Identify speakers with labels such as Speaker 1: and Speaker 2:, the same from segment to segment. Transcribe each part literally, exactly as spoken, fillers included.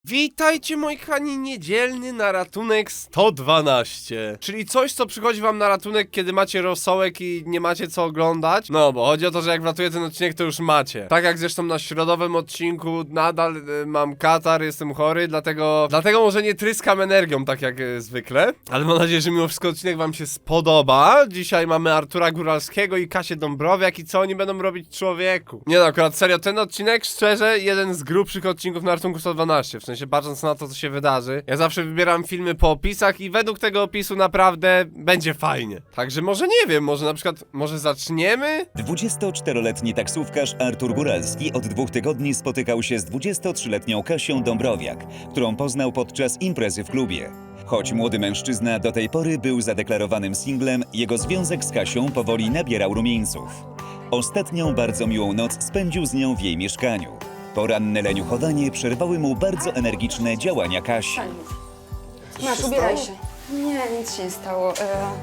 Speaker 1: Witajcie moi kochani, niedzielny na ratunek sto dwanaście. Czyli coś, co przychodzi wam na ratunek, kiedy macie rosołek i nie macie co oglądać. No, bo chodzi o to, że jak wratuję ten odcinek, to już macie. Tak jak zresztą na środowym odcinku nadal y, mam katar, jestem chory, dlatego dlatego może nie tryskam energią, tak jak y, zwykle. Ale mam nadzieję, że mimo wszystko odcinek wam się spodoba. Dzisiaj mamy Artura Góralskiego i Kasię Dąbrowiak i co oni będą robić człowieku. Nie no, akurat serio, ten odcinek, szczerze, jeden z grubszych odcinków na ratunku sto dwanaście. W sensie, patrząc na to, co się wydarzy. Ja zawsze wybieram filmy po opisach i według tego opisu naprawdę będzie fajnie. Także może nie wiem, może na przykład, może zaczniemy?
Speaker 2: dwudziestoczteroletni taksówkarz Artur Góralski od dwóch tygodni spotykał się z dwudziestotrzyletnią Kasią Dąbrowiak, którą poznał podczas imprezy w klubie. Choć młody mężczyzna do tej pory był zadeklarowanym singlem, jego związek z Kasią powoli nabierał rumieńców. Ostatnią bardzo miłą noc spędził z nią w jej mieszkaniu. Poranne leniuchowanie przerwały mu bardzo energiczne działania Kasi.
Speaker 3: Masz, ubieraj się. Nie, nic się nie stało.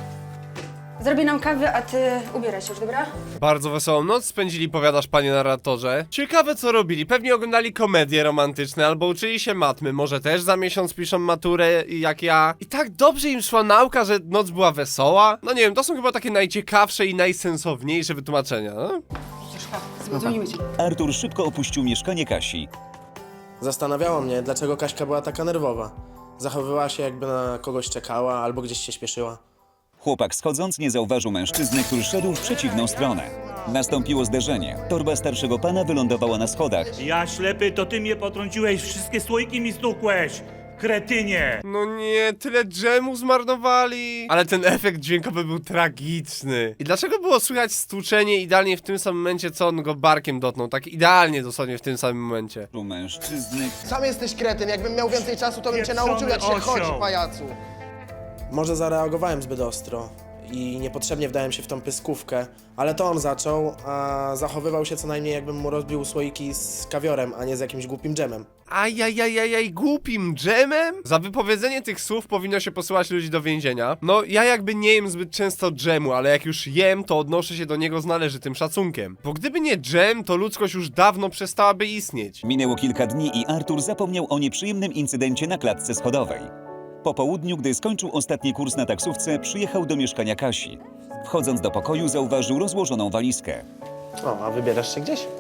Speaker 3: E... Zrobię nam kawę, a ty ubieraj się już, dobra?
Speaker 1: Bardzo wesołą noc spędzili, powiadasz panie narratorze. Ciekawe co robili, pewnie oglądali komedie romantyczne albo uczyli się matmy, może też za miesiąc piszą maturę jak ja. I tak dobrze im szła nauka, że noc była wesoła. No nie wiem, to są chyba takie najciekawsze i najsensowniejsze wytłumaczenia, no?
Speaker 3: Dzwonimy cię.
Speaker 2: Artur szybko opuścił mieszkanie Kasi.
Speaker 4: Zastanawiało mnie, dlaczego Kaśka była taka nerwowa. Zachowywała się, jakby na kogoś czekała albo gdzieś się śpieszyła.
Speaker 2: Chłopak schodząc nie zauważył mężczyzny, który szedł w przeciwną stronę. Nastąpiło zderzenie. Torba starszego pana wylądowała na schodach.
Speaker 5: Ja ślepy, to ty mnie potrąciłeś, wszystkie słoiki mi stukłeś! Kretynie!
Speaker 1: No nie, tyle dżemu zmarnowali. Ale ten efekt dźwiękowy był tragiczny. I dlaczego było słychać stłuczenie idealnie w tym samym momencie, co on go barkiem dotknął? Tak idealnie dosłownie w tym samym momencie.
Speaker 2: Mężczyzny
Speaker 6: Sam jesteś kretyn, jakbym miał więcej czasu, to bym cię
Speaker 5: Pieprzony
Speaker 6: nauczył, jak się
Speaker 5: osioł.
Speaker 6: chodzi, pajacu.
Speaker 4: Może zareagowałem zbyt ostro i niepotrzebnie wdałem się w tą pyskówkę, ale to on zaczął, a zachowywał się co najmniej, jakbym mu rozbił słoiki z kawiorem, a nie z jakimś głupim dżemem.
Speaker 1: Ajajajajaj, głupim dżemem? Za wypowiedzenie tych słów powinno się posyłać ludzi do więzienia. No, ja jakby nie jem zbyt często dżemu, ale jak już jem, to odnoszę się do niego z należytym szacunkiem. Bo gdyby nie dżem, to ludzkość już dawno przestałaby istnieć.
Speaker 2: Minęło kilka dni i Artur zapomniał o nieprzyjemnym incydencie na klatce schodowej. Po południu, gdy skończył ostatni kurs na taksówce, przyjechał do mieszkania Kasi. Wchodząc do pokoju, zauważył rozłożoną walizkę.
Speaker 4: O, a wybierasz się gdzieś?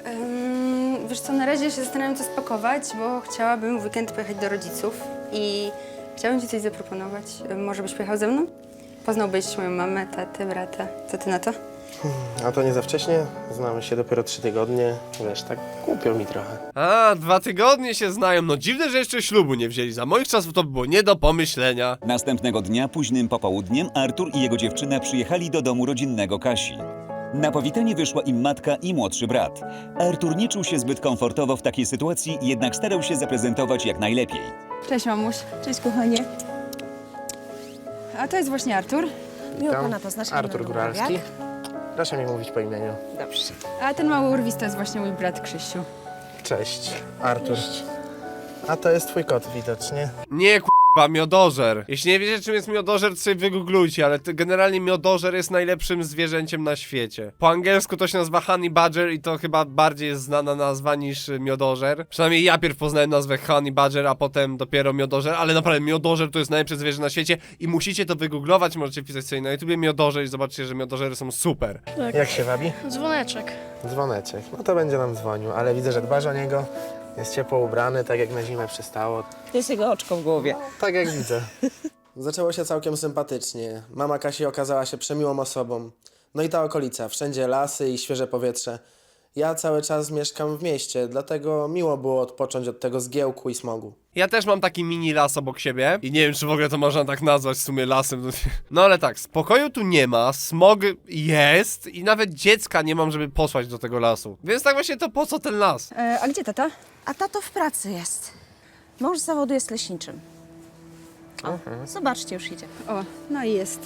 Speaker 3: Um, wiesz co, na razie się zastanawiam, co spakować, bo chciałabym w weekend pojechać do rodziców i chciałabym ci coś zaproponować. Może byś pojechał ze mną? Poznałbyś moją mamę, tatę, brata. Co ty na to?
Speaker 4: A to nie za wcześnie? Znamy się dopiero trzy tygodnie. Wiesz, tak głupio mi trochę.
Speaker 1: A, dwa tygodnie się znają. No dziwne, że jeszcze ślubu nie wzięli. Za moich czasów to było nie do pomyślenia.
Speaker 2: Następnego dnia, późnym popołudniem, Artur i jego dziewczyna przyjechali do domu rodzinnego Kasi. Na powitanie wyszła im matka i młodszy brat. Artur nie czuł się zbyt komfortowo w takiej sytuacji, jednak starał się zaprezentować jak najlepiej.
Speaker 7: Cześć mamuś. Cześć kochanie. A to jest właśnie Artur.
Speaker 6: Miło pana poznać.
Speaker 4: Artur Góralski. Proszę mi mówić po imieniu.
Speaker 7: Dobrze. A ten mały urwis to jest właśnie mój brat Krzysiu.
Speaker 4: Cześć, Artur. A to jest twój kot widocznie.
Speaker 1: Nie, k***a, miodożer. Jeśli nie wiecie, czym jest miodożer, to sobie wygooglujcie, ale to generalnie miodożer jest najlepszym zwierzęciem na świecie. Po angielsku to się nazywa honey badger i to chyba bardziej jest znana nazwa niż y, miodożer. Przynajmniej ja pierw poznałem nazwę honey badger, a potem dopiero miodożer, ale naprawdę miodożer to jest najlepsze zwierzę na świecie i musicie to wygooglować, możecie wpisać sobie na YouTubie miodożer i zobaczycie, że miodożery są super.
Speaker 4: Jak się wabi?
Speaker 8: Dzwoneczek.
Speaker 4: Dzwoneczek. No to będzie nam dzwonił, ale widzę, że dbasz o niego. Jest ciepło ubrany, tak jak na zimę przystało.
Speaker 8: To jest jego oczko w głowie.
Speaker 4: Tak jak widzę. Zaczęło się całkiem sympatycznie. Mama Kasi okazała się przemiłą osobą. No i ta okolica, wszędzie lasy i świeże powietrze. Ja cały czas mieszkam w mieście, dlatego miło było odpocząć od tego zgiełku i smogu.
Speaker 1: Ja też mam taki mini las obok siebie i nie wiem, czy w ogóle to można tak nazwać w sumie lasem. No ale tak, spokoju tu nie ma, smog jest i nawet dziecka nie mam, żeby posłać do tego lasu. Więc tak właśnie to po co ten las?
Speaker 7: E, a gdzie tata?
Speaker 8: A tato w pracy jest. Mąż z zawodu jest leśniczym. O, zobaczcie, już idzie.
Speaker 7: O, no i jest.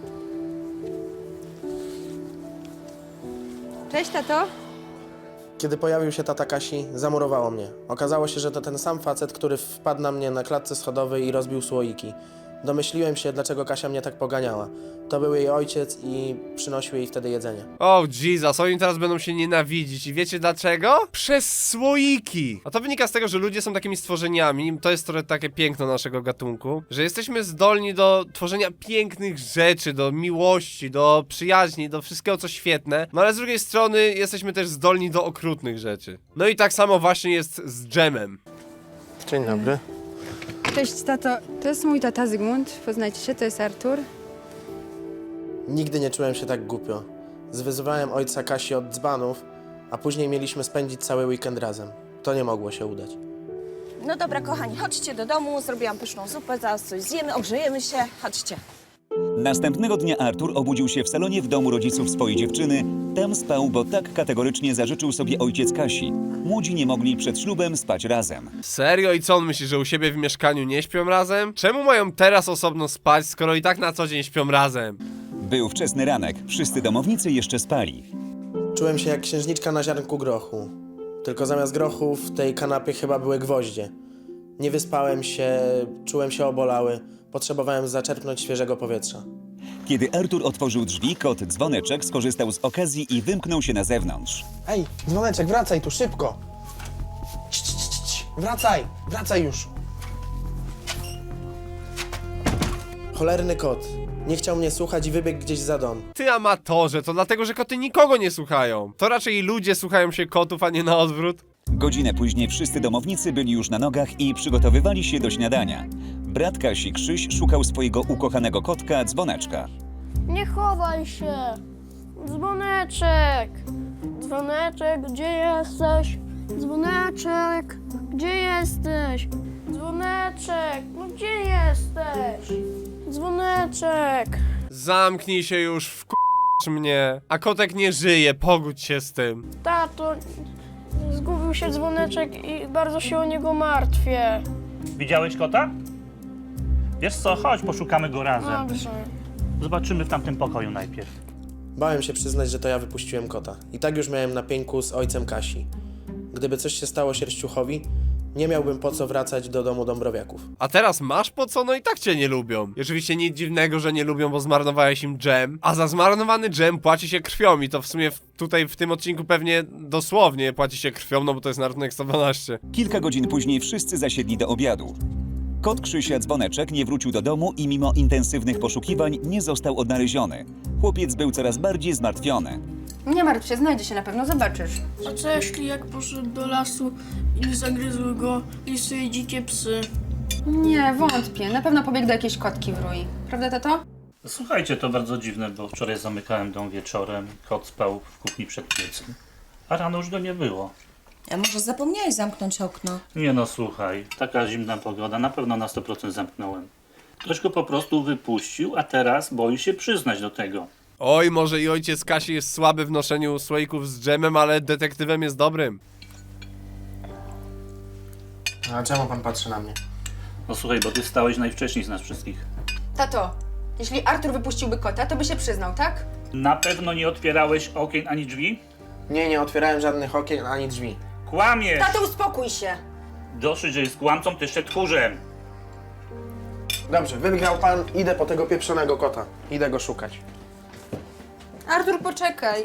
Speaker 7: Cześć tato.
Speaker 4: Kiedy pojawił się tata Kasi, zamurowało mnie. Okazało się, że to ten sam facet, który wpadł na mnie na klatce schodowej i rozbił słoiki. Domyśliłem się, dlaczego Kasia mnie tak poganiała. To był jej ojciec i przynosił jej wtedy jedzenie.
Speaker 1: O, Jesus, oni teraz będą się nienawidzić i wiecie dlaczego? Przez słoiki! A to wynika z tego, że ludzie są takimi stworzeniami, to jest trochę takie piękno naszego gatunku, że jesteśmy zdolni do tworzenia pięknych rzeczy, do miłości, do przyjaźni, do wszystkiego co świetne, no ale z drugiej strony jesteśmy też zdolni do okrutnych rzeczy. No i tak samo właśnie jest z dżemem.
Speaker 4: Dzień dobry.
Speaker 3: Cześć, tato. To jest mój tata Zygmunt. Poznajcie się, to jest Artur.
Speaker 4: Nigdy nie czułem się tak głupio. Zwyzywałem ojca Kasi od dzbanów, a później mieliśmy spędzić cały weekend razem. To nie mogło się udać.
Speaker 8: No dobra, kochani, chodźcie do domu, zrobiłam pyszną zupę, zaraz coś zjemy, ogrzejemy się, chodźcie.
Speaker 2: Następnego dnia Artur obudził się w salonie w domu rodziców swojej dziewczyny. Tam spał, bo tak kategorycznie zażyczył sobie ojciec Kasi. Młodzi nie mogli przed ślubem spać razem.
Speaker 1: Serio? I co on myśli, że u siebie w mieszkaniu nie śpią razem? Czemu mają teraz osobno spać, skoro i tak na co dzień śpią razem?
Speaker 2: Był wczesny ranek, wszyscy domownicy jeszcze spali.
Speaker 4: Czułem się jak księżniczka na ziarnku grochu. Tylko zamiast grochu w tej kanapie chyba były gwoździe. Nie wyspałem się, czułem się obolały. Potrzebowałem zaczerpnąć świeżego powietrza.
Speaker 2: Kiedy Artur otworzył drzwi, kot Dzwoneczek skorzystał z okazji i wymknął się na zewnątrz.
Speaker 6: Ej, dzwoneczek, wracaj tu szybko. Cii, cii, cii, cii. Wracaj, wracaj już.
Speaker 4: Cholerny kot. Nie chciał mnie słuchać i wybiegł gdzieś za dom.
Speaker 1: Ty amatorze, to dlatego, że koty nikogo nie słuchają. To raczej ludzie słuchają się kotów, a nie na odwrót.
Speaker 2: Godzinę później wszyscy domownicy byli już na nogach i przygotowywali się do śniadania. Brat Kasi, Krzyś, szukał swojego ukochanego kotka Dzwoneczka.
Speaker 9: Nie chowaj się! Dzwoneczek! Dzwoneczek, gdzie jesteś? Dzwoneczek, gdzie jesteś? Dzwoneczek, no gdzie jesteś? Dzwoneczek!
Speaker 1: Zamknij się już, wkurz mnie. A kotek nie żyje, pogódź się z tym.
Speaker 9: Tato, zgubił się dzwoneczek i bardzo się o niego martwię.
Speaker 5: Widziałeś kota? Wiesz co, chodź, poszukamy go razem.
Speaker 9: Dobrze.
Speaker 5: Zobaczymy w tamtym pokoju najpierw.
Speaker 4: Bałem się przyznać, że to ja wypuściłem kota. I tak już miałem na pieńku z ojcem Kasi. Gdyby coś się stało Sierściuchowi, nie miałbym po co wracać do domu Dąbrowiaków.
Speaker 1: A teraz masz po co? No i tak cię nie lubią. I oczywiście nic dziwnego, że nie lubią, bo zmarnowałeś im dżem. A za zmarnowany dżem płaci się krwią i to w sumie w, tutaj w tym odcinku pewnie dosłownie płaci się krwią, no bo to jest na ratunek sto dwanaście.
Speaker 2: Kilka godzin później wszyscy zasiedli do obiadu. Kot Krzysia Dzwoneczek nie wrócił do domu i mimo intensywnych poszukiwań nie został odnaleziony. Chłopiec był coraz bardziej zmartwiony.
Speaker 3: Nie martw się, znajdzie się na pewno, zobaczysz.
Speaker 9: A co jeśli jak poszedł do lasu i zagryzły go lisy i dzikie psy?
Speaker 3: Nie, wątpię. Na pewno pobiegł do jakiejś kotki w rui. Prawda, tato?
Speaker 5: Słuchajcie, to bardzo dziwne, bo wczoraj zamykałem dom wieczorem, kot spał w kuchni przed piecem, a rano już go nie było.
Speaker 8: A może zapomniałeś zamknąć okno?
Speaker 5: Nie no, słuchaj, taka zimna pogoda, na pewno na sto procent zamknąłem. Ktoś go po prostu wypuścił, a teraz boi się przyznać do tego.
Speaker 1: Oj, może i ojciec Kasi jest słaby w noszeniu słoików z dżemem, ale detektywem jest dobrym.
Speaker 4: A czemu pan patrzy na mnie?
Speaker 5: No słuchaj, bo ty stałeś najwcześniej z nas wszystkich.
Speaker 3: Tato, jeśli Artur wypuściłby kota, to by się przyznał, tak?
Speaker 5: Na pewno nie otwierałeś okien ani drzwi?
Speaker 4: Nie, nie otwierałem żadnych okien ani drzwi.
Speaker 5: Kłamiesz!
Speaker 3: Tato, uspokój się!
Speaker 5: Dosyć, że jest kłamcą, ty jeszcze tchórzem.
Speaker 4: Dobrze, wygrał pan, idę po tego pieprzonego kota. Idę go szukać.
Speaker 3: Artur, poczekaj.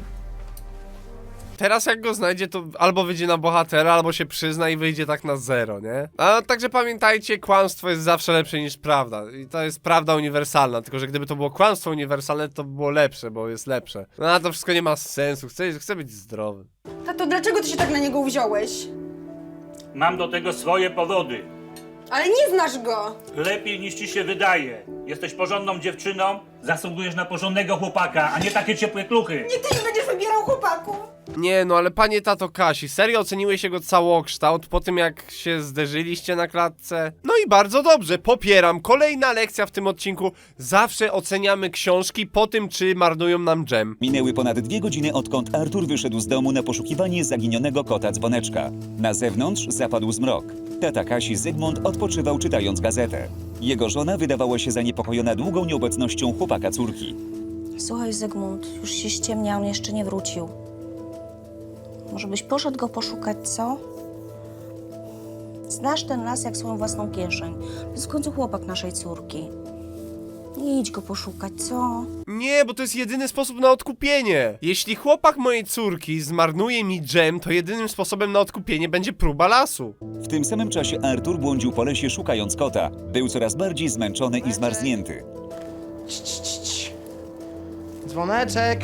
Speaker 1: Teraz jak go znajdzie, to albo wyjdzie na bohatera, albo się przyzna i wyjdzie tak na zero, nie? A także pamiętajcie, kłamstwo jest zawsze lepsze niż prawda. I to jest prawda uniwersalna, tylko że gdyby to było kłamstwo uniwersalne, to by było lepsze, bo jest lepsze. No a to wszystko nie ma sensu, chcę, chcę być zdrowy.
Speaker 3: Tato, dlaczego ty się tak na niego uwziąłeś?
Speaker 5: Mam do tego swoje powody.
Speaker 3: Ale nie znasz go!
Speaker 5: Lepiej niż ci się wydaje. Jesteś porządną dziewczyną, zasługujesz na porządnego chłopaka, a nie takie ciepłe kluchy.
Speaker 3: Nie, ty nie będziesz wybierał chłopaków!
Speaker 1: Nie no, ale panie tato Kasi, serio oceniłeś jego całokształt po tym jak się zderzyliście na klatce? No i bardzo dobrze, popieram. Kolejna lekcja w tym odcinku. Zawsze oceniamy książki po tym, czy marnują nam dżem.
Speaker 2: Minęły ponad dwie godziny, odkąd Artur wyszedł z domu na poszukiwanie zaginionego kota Dzwoneczka. Na zewnątrz zapadł zmrok. Tata Kasi Zygmunt odpoczywał czytając gazetę. Jego żona wydawała się zaniepokojona długą nieobecnością chłopaka córki.
Speaker 8: Słuchaj, Zygmunt, już się ściemnia, on jeszcze nie wrócił. Może byś poszedł go poszukać, co? Znasz ten las jak swoją własną kieszeń. To jest w końcu chłopak naszej córki. Idź go poszukać, co?
Speaker 1: Nie, bo to jest jedyny sposób na odkupienie. Jeśli chłopak mojej córki zmarnuje mi dżem, to jedynym sposobem na odkupienie będzie próba lasu.
Speaker 2: W tym samym czasie Artur błądził po lesie szukając kota. Był coraz bardziej zmęczony i zmarznięty.
Speaker 6: Cii, cii, cii, cii. Dzwoneczek!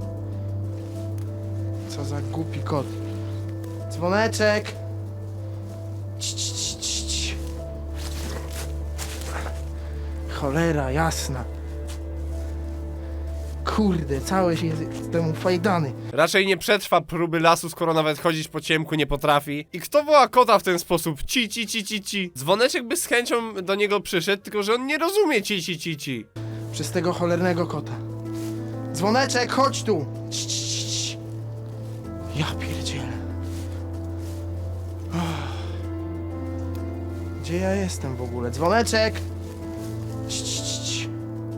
Speaker 6: Co za głupi kot. Dzwoneczek! Cii, cii, cii, cii, cii. Cholera jasna. Kurde, cały się jestem ufajdany.
Speaker 1: Raczej nie przetrwa próby lasu, skoro nawet chodzić po ciemku nie potrafi. I kto woła kota w ten sposób? Ci, ci, ci, ci, ci. Dzwoneczek by z chęcią do niego przyszedł, tylko że on nie rozumie ci, ci, ci, ci.
Speaker 6: Przez tego cholernego kota. Dzwoneczek, chodź tu! Cii, cii, cii, cii. Ja pierdzielę. Uff. Gdzie ja jestem w ogóle? Dzwoneczek! Cii, cii, cii, cii.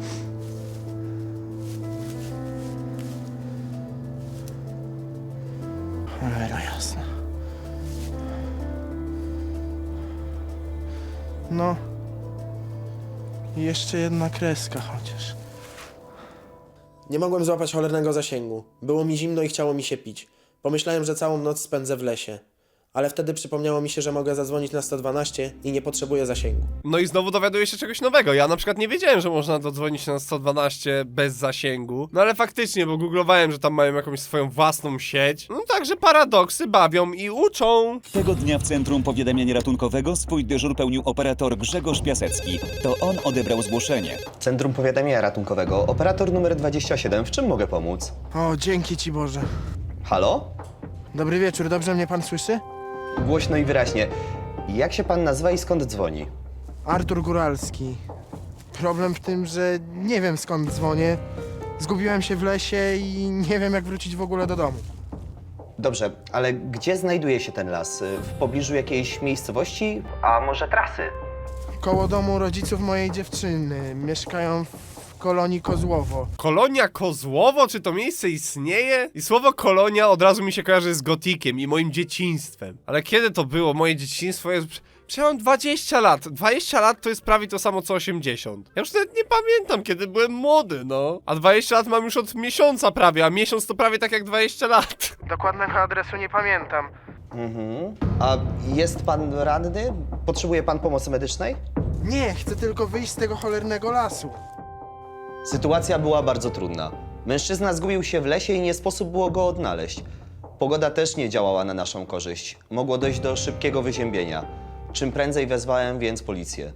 Speaker 6: Cholera jasna. No. I jeszcze jedna kreska chociaż.
Speaker 4: Nie mogłem złapać cholernego zasięgu. Było mi zimno i chciało mi się pić. Pomyślałem, że całą noc spędzę w lesie. Ale wtedy przypomniało mi się, że mogę zadzwonić na sto dwanaście i nie potrzebuję zasięgu.
Speaker 1: No i znowu dowiaduję się czegoś nowego. Ja na przykład nie wiedziałem, że można dodzwonić na sto dwanaście bez zasięgu. No ale faktycznie, bo googlowałem, że tam mają jakąś swoją własną sieć. No także paradoksy bawią i uczą.
Speaker 2: Tego dnia w Centrum Powiadamiania Ratunkowego swój dyżur pełnił operator Grzegorz Piasecki. To on odebrał zgłoszenie.
Speaker 10: Centrum Powiadamiania Ratunkowego, operator numer dwadzieścia siedem. W czym mogę pomóc?
Speaker 6: O, dzięki ci Boże.
Speaker 10: Halo?
Speaker 6: Dobry wieczór, dobrze mnie pan słyszy?
Speaker 10: Głośno i wyraźnie. Jak się pan nazywa i skąd dzwoni?
Speaker 6: Artur Góralski. Problem w tym, że nie wiem skąd dzwonię. Zgubiłem się w lesie i nie wiem jak wrócić w ogóle do domu.
Speaker 10: Dobrze, ale gdzie znajduje się ten las? W pobliżu jakiejś miejscowości? A może trasy?
Speaker 6: Koło domu rodziców mojej dziewczyny. Mieszkają w kolonii Kozłowo.
Speaker 1: Kolonia Kozłowo? Czy to miejsce istnieje? I słowo kolonia od razu mi się kojarzy z gotikiem i moim dzieciństwem. Ale kiedy to było? Moje dzieciństwo jest... Przecież ja mam dwadzieścia lat. dwadzieścia lat to jest prawie to samo co osiemdziesiąt. Ja już nawet nie pamiętam, kiedy byłem młody, no. A dwadzieścia lat mam już od miesiąca prawie, a miesiąc to prawie tak jak dwadzieścia lat.
Speaker 6: Dokładnego adresu nie pamiętam.
Speaker 10: Mhm. A jest pan ranny? Potrzebuje pan pomocy medycznej?
Speaker 6: Nie, chcę tylko wyjść z tego cholernego lasu.
Speaker 10: Sytuacja była bardzo trudna. Mężczyzna zgubił się w lesie i nie sposób było go odnaleźć. Pogoda też nie działała na naszą korzyść. Mogło dojść do szybkiego wyziębienia. Czym prędzej wezwałem więc policję.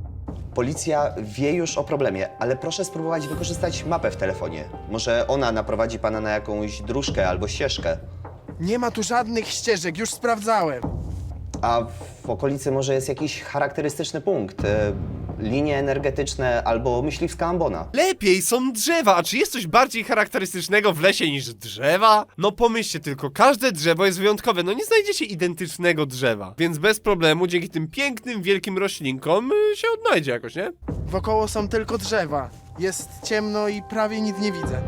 Speaker 10: Policja wie już o problemie, ale proszę spróbować wykorzystać mapę w telefonie. Może ona naprowadzi pana na jakąś dróżkę albo ścieżkę.
Speaker 6: Nie ma tu żadnych ścieżek, już sprawdzałem.
Speaker 10: A w okolicy może jest jakiś charakterystyczny punkt. E, linie energetyczne albo myśliwska ambona.
Speaker 1: Lepiej są drzewa, a czy jest coś bardziej charakterystycznego w lesie niż drzewa? No pomyślcie tylko, każde drzewo jest wyjątkowe, no nie znajdziecie identycznego drzewa. Więc bez problemu, dzięki tym pięknym, wielkim roślinkom y, się odnajdzie jakoś, nie?
Speaker 6: Wokoło są tylko drzewa. Jest ciemno i prawie nic nie widzę.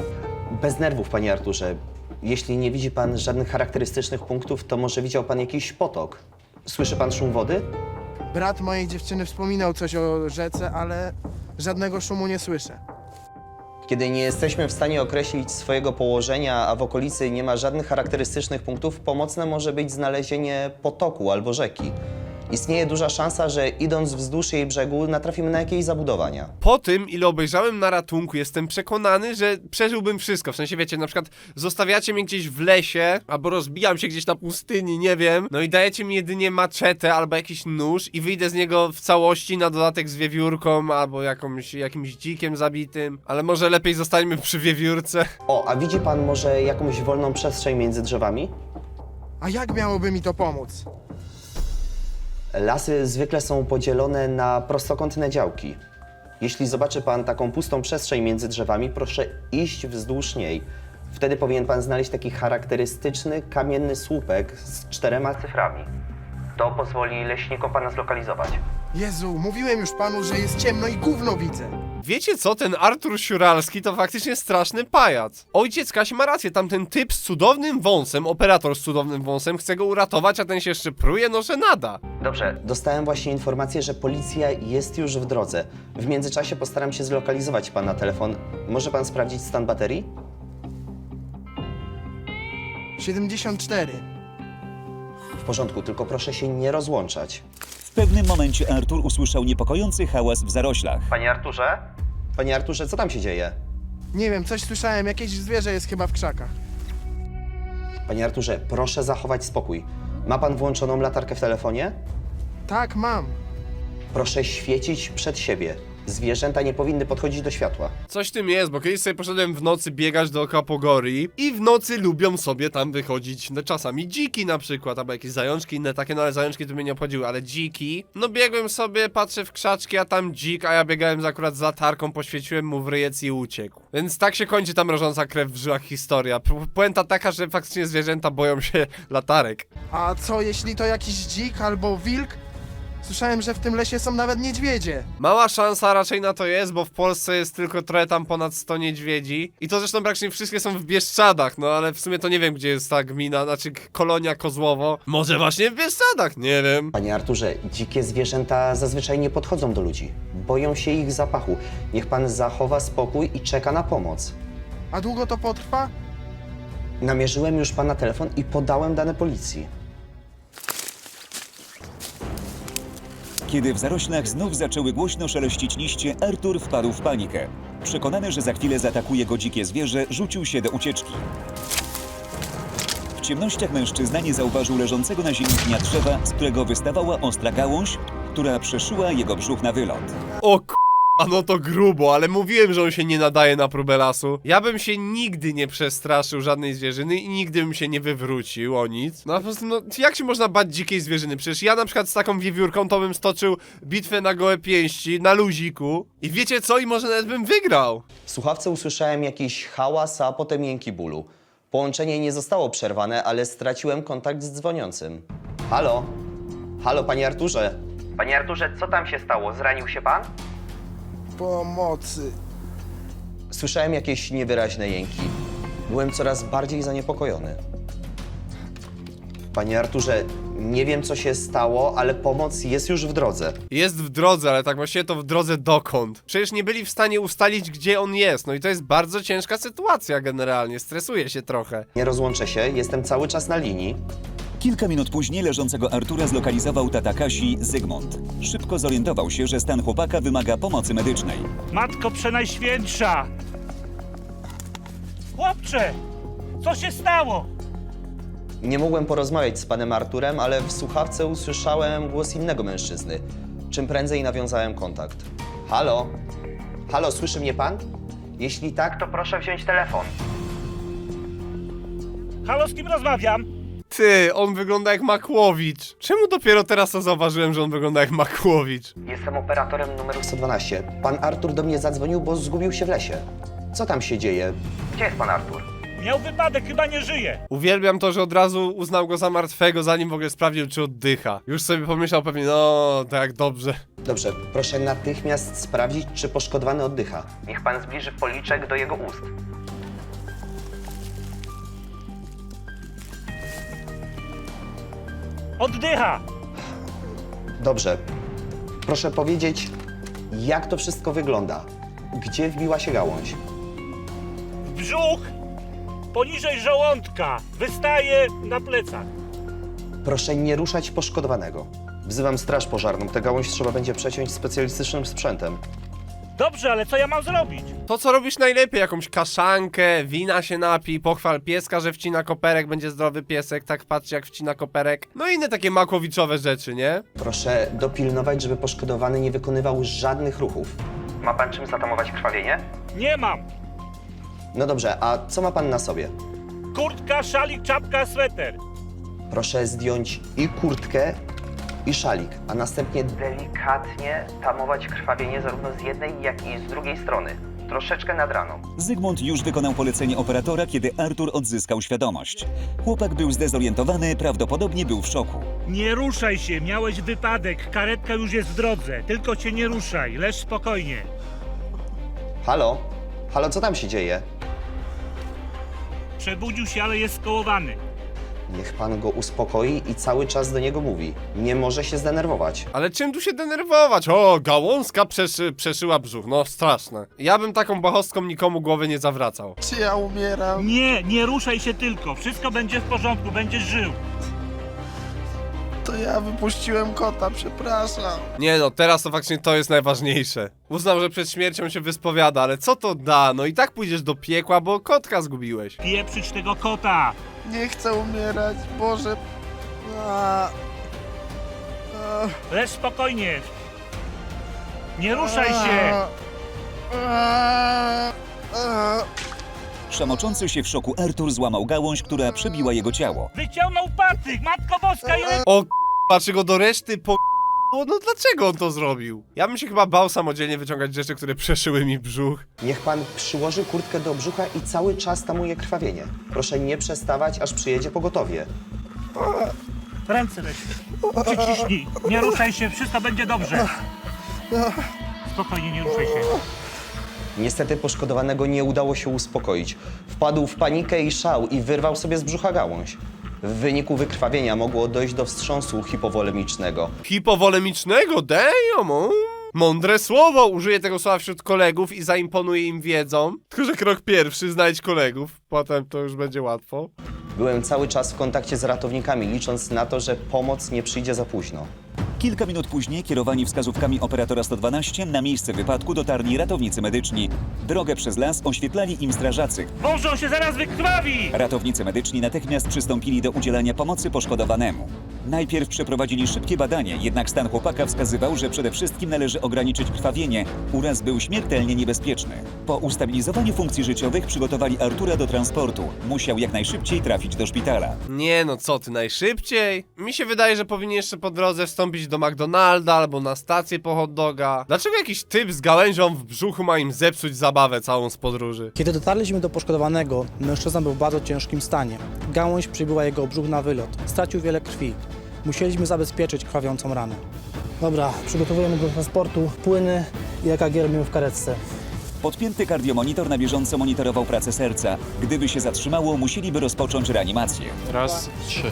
Speaker 10: Bez nerwów, panie Arturze. Jeśli nie widzi pan żadnych charakterystycznych punktów, to może widział pan jakiś potok. Słyszy pan szum wody?
Speaker 6: Brat mojej dziewczyny wspominał coś o rzece, ale żadnego szumu nie słyszę.
Speaker 10: Kiedy nie jesteśmy w stanie określić swojego położenia, a w okolicy nie ma żadnych charakterystycznych punktów, pomocne może być znalezienie potoku albo rzeki. Istnieje duża szansa, że idąc wzdłuż jej brzegu natrafimy na jakieś zabudowania.
Speaker 1: Po tym, ile obejrzałem na ratunku, jestem przekonany, że przeżyłbym wszystko. W sensie, wiecie, na przykład zostawiacie mnie gdzieś w lesie, albo rozbijam się gdzieś na pustyni, nie wiem. No i dajecie mi jedynie maczetę albo jakiś nóż i wyjdę z niego w całości, na dodatek z wiewiórką, albo jakąś, jakimś dzikiem zabitym. Ale może lepiej zostańmy przy wiewiórce.
Speaker 10: O, a widzi pan może jakąś wolną przestrzeń między drzewami?
Speaker 6: A jak miałoby mi to pomóc?
Speaker 10: Lasy zwykle są podzielone na prostokątne działki. Jeśli zobaczy pan taką pustą przestrzeń między drzewami, proszę iść wzdłuż niej. Wtedy powinien pan znaleźć taki charakterystyczny kamienny słupek z czterema cyframi. To pozwoli leśnikom pana zlokalizować.
Speaker 6: Jezu, mówiłem już panu, że jest ciemno i gówno widzę.
Speaker 1: Wiecie co, ten Artur Siuralski to faktycznie straszny pajac. Ojciec Kasi ma rację, tamten typ z cudownym wąsem, operator z cudownym wąsem, chce go uratować, a ten się jeszcze pruje, no że nada.
Speaker 10: Dobrze, dostałem właśnie informację, że policja jest już w drodze. W międzyczasie postaram się zlokalizować pana telefon. Może pan sprawdzić stan baterii?
Speaker 6: siedemdziesiąt cztery.
Speaker 10: W porządku, tylko proszę się nie rozłączać.
Speaker 2: W pewnym momencie Artur usłyszał niepokojący hałas w zaroślach.
Speaker 10: Panie Arturze? Panie Arturze, co tam się dzieje?
Speaker 6: Nie wiem, coś słyszałem, jakieś zwierzę jest chyba w krzakach.
Speaker 10: Panie Arturze, proszę zachować spokój. Ma pan włączoną latarkę w telefonie?
Speaker 6: Tak, mam.
Speaker 10: Proszę świecić przed siebie. Zwierzęta nie powinny podchodzić do światła.
Speaker 1: Coś w tym jest, bo kiedyś sobie poszedłem w nocy biegać dookoła Pogorii i w nocy lubią sobie tam wychodzić, no czasami dziki na przykład, albo jakieś zajączki inne takie, no ale zajączki to mnie nie obchodziły, ale dziki. No biegłem sobie, patrzę w krzaczki, a tam dzik, a ja biegałem z akurat z latarką, poświeciłem mu w ryjec i uciekł. Więc tak się kończy ta mrożąca krew w żyłach historia. Pu- Puenta taka, że faktycznie zwierzęta boją się latarek.
Speaker 6: A co jeśli to jakiś dzik albo wilk? Słyszałem, że w tym lesie są nawet niedźwiedzie.
Speaker 1: Mała szansa raczej na to jest, bo w Polsce jest tylko trochę tam ponad sto niedźwiedzi. I to zresztą praktycznie wszystkie są w Bieszczadach, no ale w sumie to nie wiem, gdzie jest ta gmina, znaczy kolonia Kozłowo. Może właśnie w Bieszczadach, nie wiem.
Speaker 10: Panie Arturze, dzikie zwierzęta zazwyczaj nie podchodzą do ludzi. Boją się ich zapachu. Niech pan zachowa spokój i czeka na pomoc.
Speaker 6: A długo to potrwa?
Speaker 10: Namierzyłem już pana telefon i podałem dane policji.
Speaker 2: Kiedy w zaroślach znów zaczęły głośno szeleścić liście, Artur wpadł w panikę. Przekonany, że za chwilę zaatakuje go dzikie zwierzę, rzucił się do ucieczki. W ciemnościach mężczyzna nie zauważył leżącego na ziemi pnia drzewa, z którego wystawała ostra gałąź, która przeszyła jego brzuch na wylot.
Speaker 1: O k... A no to grubo, ale mówiłem, że on się nie nadaje na próbę lasu. Ja bym się nigdy nie przestraszył żadnej zwierzyny i nigdy bym się nie wywrócił o nic. No a po prostu, no jak się można bać dzikiej zwierzyny? Przecież ja na przykład z taką wiewiórką to bym stoczył bitwę na gołe pięści, na luziku. I wiecie co? I może nawet bym wygrał.
Speaker 10: W słuchawce usłyszałem jakiś hałas, a potem jęki bólu. Połączenie nie zostało przerwane, ale straciłem kontakt z dzwoniącym. Halo? Halo, panie Arturze? Panie Arturze, co tam się stało? Zranił się pan?
Speaker 6: Pomocy.
Speaker 10: Słyszałem jakieś niewyraźne jęki. Byłem coraz bardziej zaniepokojony. Panie Arturze, nie wiem co się stało, ale pomoc jest już w drodze.
Speaker 1: Jest w drodze, ale tak właściwie to w drodze dokąd? Przecież nie byli w stanie ustalić, gdzie on jest. No i to jest bardzo ciężka sytuacja generalnie. Stresuję się trochę.
Speaker 10: Nie rozłączę się, jestem cały czas na linii.
Speaker 2: Kilka minut później leżącego Artura zlokalizował tata Kasi, Zygmunt. Szybko zorientował się, że stan chłopaka wymaga pomocy medycznej.
Speaker 11: Matko Przenajświętsza! Chłopcze! Co się stało?
Speaker 10: Nie mogłem porozmawiać z panem Arturem, ale w słuchawce usłyszałem głos innego mężczyzny. Czym prędzej nawiązałem kontakt. Halo? Halo, słyszy mnie pan? Jeśli tak, to proszę wziąć telefon.
Speaker 11: Halo, z kim rozmawiam?
Speaker 1: Ty, on wygląda jak Makłowicz. Czemu dopiero teraz to zauważyłem, że on wygląda jak Makłowicz?
Speaker 10: Jestem operatorem numeru sto dwanaście. Pan Artur do mnie zadzwonił, bo zgubił się w lesie. Co tam się dzieje? Gdzie jest pan Artur?
Speaker 11: Miał wypadek, chyba nie żyje.
Speaker 1: Uwielbiam to, że od razu uznał go za martwego, zanim w ogóle sprawdził, czy oddycha. Już sobie pomyślał pewnie, no, tak dobrze.
Speaker 10: Dobrze, proszę natychmiast sprawdzić, czy poszkodowany oddycha. Niech pan zbliży policzek do jego ust.
Speaker 11: Oddycha!
Speaker 10: Dobrze. Proszę powiedzieć, jak to wszystko wygląda? Gdzie wbiła się gałąź?
Speaker 11: W brzuch! Poniżej żołądka! Wystaje na plecach.
Speaker 10: Proszę nie ruszać poszkodowanego. Wzywam straż pożarną. Tę gałąź trzeba będzie przeciąć specjalistycznym sprzętem.
Speaker 11: Dobrze, ale co ja mam zrobić?
Speaker 1: To, co robisz najlepiej, jakąś kaszankę, wina się napij, pochwal pieska, że wcina koperek, będzie zdrowy piesek, tak patrz jak wcina koperek. No i inne takie makłowiczowe rzeczy, nie?
Speaker 10: Proszę dopilnować, żeby poszkodowany nie wykonywał żadnych ruchów. Ma pan czym zatamować krwawienie?
Speaker 11: Nie mam.
Speaker 10: No dobrze, a co ma pan na sobie?
Speaker 11: Kurtka, szalik, czapka, sweter.
Speaker 10: Proszę zdjąć i kurtkę, i szalik, a następnie delikatnie tamować krwawienie zarówno z jednej, jak i z drugiej strony. Troszeczkę nad raną.
Speaker 2: Zygmunt już wykonał polecenie operatora, kiedy Artur odzyskał świadomość. Chłopak był zdezorientowany, prawdopodobnie był w szoku.
Speaker 11: Nie ruszaj się, miałeś wypadek. Karetka już jest w drodze. Tylko się nie ruszaj, leż spokojnie.
Speaker 10: Halo? Halo, co tam się dzieje?
Speaker 11: Przebudził się, ale jest skołowany.
Speaker 10: Niech pan go uspokoi i cały czas do niego mówi. Nie może się zdenerwować.
Speaker 1: Ale czym tu się denerwować? O, gałązka przeszy, przeszyła brzuch, no straszne. Ja bym taką bachostką nikomu głowy nie zawracał.
Speaker 6: Czy ja umieram?
Speaker 11: Nie, nie ruszaj się tylko. Wszystko będzie w porządku, będziesz żył.
Speaker 6: To ja wypuściłem kota, przepraszam.
Speaker 1: Nie no, teraz to faktycznie to jest najważniejsze. Uznam, że przed śmiercią się wyspowiada, ale co to da? No i tak pójdziesz do piekła, bo kotka zgubiłeś.
Speaker 11: Pieprzyć tego kota.
Speaker 6: Nie chcę umierać, Boże. A, a,
Speaker 11: Lecz spokojnie. Nie ruszaj się.
Speaker 6: a, a.
Speaker 2: Szamoczący się w szoku Artur złamał gałąź, która przebiła jego ciało.
Speaker 11: Wyciągnął patyk, Matko Boska, ile...
Speaker 1: O k***a, czy go do reszty po... No dlaczego on to zrobił? Ja bym się chyba bał samodzielnie wyciągać rzeczy, które przeszyły mi brzuch.
Speaker 10: Niech pan przyłoży kurtkę do brzucha i cały czas tamuje krwawienie. Proszę nie przestawać, aż przyjedzie pogotowie.
Speaker 11: Ręce weź. Przyciśnij. Nie ruszaj się, wszystko będzie dobrze. Spokojnie, nie ruszaj się.
Speaker 10: Niestety poszkodowanego nie udało się uspokoić. Wpadł w panikę i szał i wyrwał sobie z brzucha gałąź. W wyniku wykrwawienia mogło dojść do wstrząsu hipowolemicznego.
Speaker 1: Hipowolemicznego? Damn! o. Mądre słowo! Użyję tego słowa wśród kolegów i zaimponuję im wiedzą. Tylko, że krok pierwszy, znajdź kolegów. Potem to już będzie łatwo.
Speaker 10: Byłem cały czas w kontakcie z ratownikami, licząc na to, że pomoc nie przyjdzie za późno.
Speaker 2: Kilka minut później, kierowani wskazówkami operatora sto dwanaście, na miejsce wypadku dotarli ratownicy medyczni. Drogę przez las oświetlali im strażacy.
Speaker 11: Boże, on się zaraz wykrwawi!
Speaker 2: Ratownicy medyczni natychmiast przystąpili do udzielania pomocy poszkodowanemu. Najpierw przeprowadzili szybkie badanie, jednak stan chłopaka wskazywał, że przede wszystkim należy ograniczyć krwawienie. Uraz był śmiertelnie niebezpieczny. Po ustabilizowaniu funkcji życiowych przygotowali Artura do transportu. Musiał jak najszybciej trafić do szpitala.
Speaker 1: Nie no, co ty, najszybciej? Mi się wydaje, że powinien jeszcze po drodze wstąpić do McDonalda albo na stację po hot doga. Dlaczego jakiś typ z gałęzią w brzuchu ma im zepsuć zabawę całą z podróży?
Speaker 12: Kiedy dotarliśmy do poszkodowanego, mężczyzna był w bardzo ciężkim stanie. Gałąź przybiła jego brzuch na wylot. Stracił wiele krwi. Musieliśmy zabezpieczyć krwawiącą ranę. Dobra, przygotowujemy go do transportu, płyny i E K G robimy w karetce.
Speaker 2: Podpięty kardiomonitor na bieżąco monitorował pracę serca. Gdyby się zatrzymało, musieliby rozpocząć reanimację.
Speaker 1: Raz, trzy.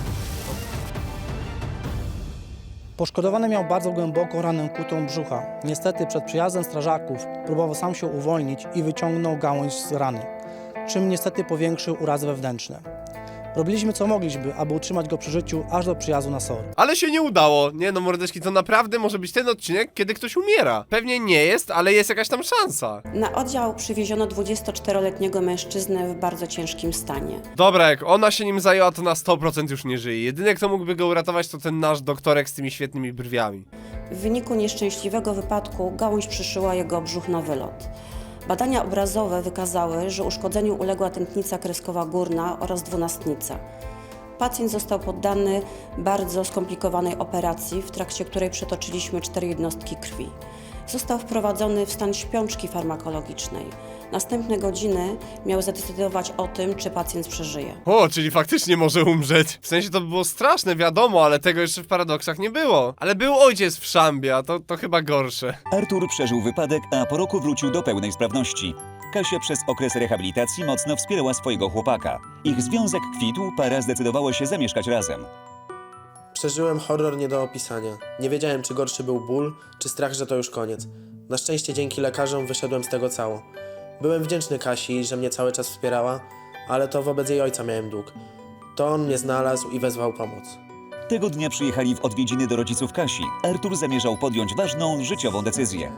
Speaker 12: Poszkodowany miał bardzo głęboką ranę kutą brzucha. Niestety przed przyjazdem strażaków próbował sam się uwolnić i wyciągnął gałąź z rany, czym niestety powiększył urazy wewnętrzne. Robiliśmy co mogliśmy, aby utrzymać go przy życiu aż do przyjazdu na S O R.
Speaker 1: Ale się nie udało. Nie no, mordeczki, to naprawdę może być ten odcinek, kiedy ktoś umiera. Pewnie nie jest, ale jest jakaś tam szansa.
Speaker 13: Na oddział przywieziono dwudziestoczteroletniego mężczyznę w bardzo ciężkim stanie.
Speaker 1: Dobra, jak ona się nim zajęła, to na sto procent już nie żyje. Jedyny, kto mógłby go uratować, to ten nasz doktorek z tymi świetnymi brwiami.
Speaker 13: W wyniku nieszczęśliwego wypadku gałąź przyszyła jego brzuch na wylot. Badania obrazowe wykazały, że uszkodzeniu uległa tętnica kreskowa górna oraz dwunastnica. Pacjent został poddany bardzo skomplikowanej operacji, w trakcie której przetoczyliśmy cztery jednostki krwi. Został wprowadzony w stan śpiączki farmakologicznej. Następne godziny miały zadecydować o tym, czy pacjent przeżyje.
Speaker 1: O, czyli faktycznie może umrzeć. W sensie to by było straszne, wiadomo, ale tego jeszcze w paradoksach nie było. Ale był ojciec w szambie, a to, to chyba gorsze.
Speaker 2: Artur przeżył wypadek, a po roku wrócił do pełnej sprawności. Kasia przez okres rehabilitacji mocno wspierała swojego chłopaka. Ich związek kwitł, para zdecydowała się zamieszkać razem.
Speaker 4: Przeżyłem horror nie do opisania. Nie wiedziałem, czy gorszy był ból, czy strach, że to już koniec. Na szczęście dzięki lekarzom wyszedłem z tego cało. Byłem wdzięczny Kasi, że mnie cały czas wspierała, ale to wobec jej ojca miałem dług. To on mnie znalazł i wezwał pomoc.
Speaker 2: Tego dnia przyjechali w odwiedziny do rodziców Kasi. Artur zamierzał podjąć ważną, życiową decyzję.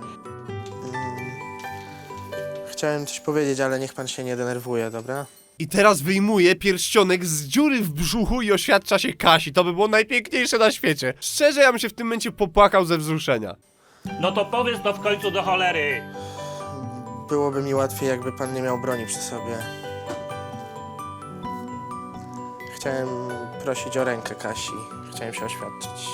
Speaker 4: Chciałem coś powiedzieć, ale niech pan się nie denerwuje, dobra?
Speaker 1: I teraz wyjmuje pierścionek z dziury w brzuchu i oświadcza się Kasi. To by było najpiękniejsze na świecie. Szczerze, ja bym się w tym momencie popłakał ze wzruszenia.
Speaker 11: No to powiedz to w końcu do cholery.
Speaker 4: Byłoby mi łatwiej, jakby pan nie miał broni przy sobie. Chciałem prosić o rękę Kasi. Chciałem się oświadczyć.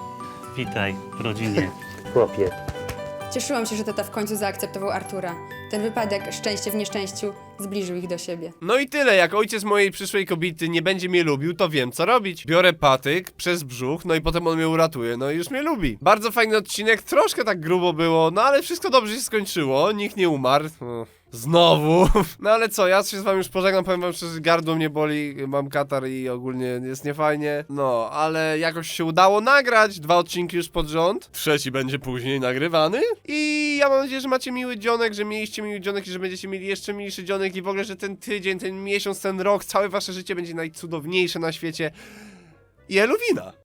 Speaker 5: Witaj w rodzinie.
Speaker 10: Chłopie.
Speaker 3: Cieszyłam się, że tata w końcu zaakceptował Artura. ten wypadek, szczęście w nieszczęściu, zbliżył ich do siebie.
Speaker 1: No i tyle, jak ojciec mojej przyszłej kobiety nie będzie mnie lubił, to wiem co robić. Biorę patyk przez brzuch, no i potem on mnie uratuje, no i już mnie lubi. Bardzo fajny odcinek, troszkę tak grubo było, no ale wszystko dobrze się skończyło, nikt nie umarł. O, znowu. No ale co, ja się z wami już pożegnam, powiem wam szczerze, gardło mnie boli, mam katar i ogólnie jest niefajnie. No, ale jakoś się udało nagrać, dwa odcinki już pod rząd. Trzeci będzie później nagrywany. I ja mam nadzieję, że macie miły dzionek, że mieliście miły dzionek i że będziecie mieli jeszcze milszy dzionek i w ogóle, że ten tydzień, ten miesiąc, ten rok, całe wasze życie będzie najcudowniejsze na świecie. I Eluwina!